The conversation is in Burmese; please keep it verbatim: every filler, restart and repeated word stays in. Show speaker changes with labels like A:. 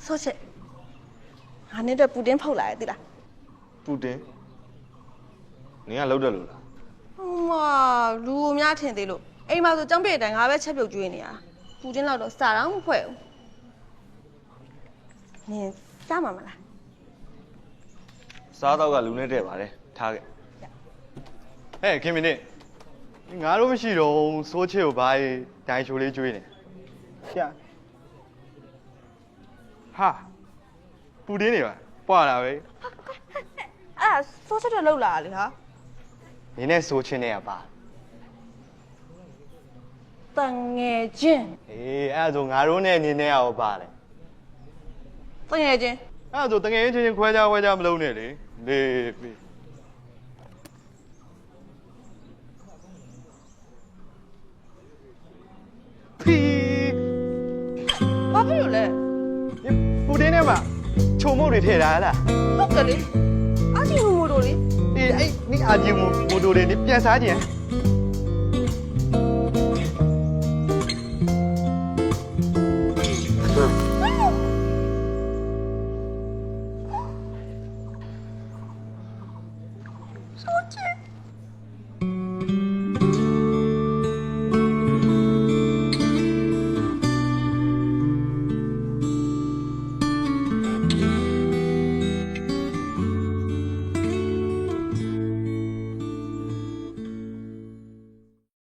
A: ဆော့ချက်ငါနဲ့တော့ပူတင်းဖောက်လာရဲ့တိလား
B: ပူတင်နင်ကလောက်တယ်လို့လား
A: ဟွာလူကိုများထင်သေးလို့အိမ်မှာဆိုចောင်းပြည့်တိုင်ငါပဲချက်ပြုတ်ကျွေးနေရပူတင်းလောက်တော့စားတော့မဖွဲ့ဘူးနင်စားမှာမလား
B: စားတော့ကလူနဲ့တဲ့ပါတယ်ထားခဲ့
C: ဟဲ့ခင်မင်းနေငါတို့မရှိတော့စိုးချစ်ကိုဘာဒိုင်ချိုလေးကျွေးနေရှာဟာပူတင်းနေပါပွာလာပဲ
A: အဲ့ဒါဆော့ချက်တော့လောက်လာလေဟာ
C: နင်းနဲ့စိုးချင်းနဲ့ကပါ
A: တန်ငယ်ချင်း
C: အေးအဲ့ဒါဆိုငါတို့နဲ့နင်းနဲ့ရောပါလေ
A: တန်ငယ်ချင်း
C: အဲ့ဒါဆိုတငယ်ချင်းချင်းခွဲခြားခွဲခြားမလုံးနဲ့လေလေပြီ ဖီ
A: ဘာဖြစ်လို့လဲ
C: ပူတင်းနဲ့မှာခြုံမုတ်တွေထည့်ထားလား
A: ဟုတ်တယ်လေအားကြီးမို့မို့တို့လေ
C: အေးအဲ့နိအာဂျီမိုမိုတိုတွေနိပြန်စားကြင်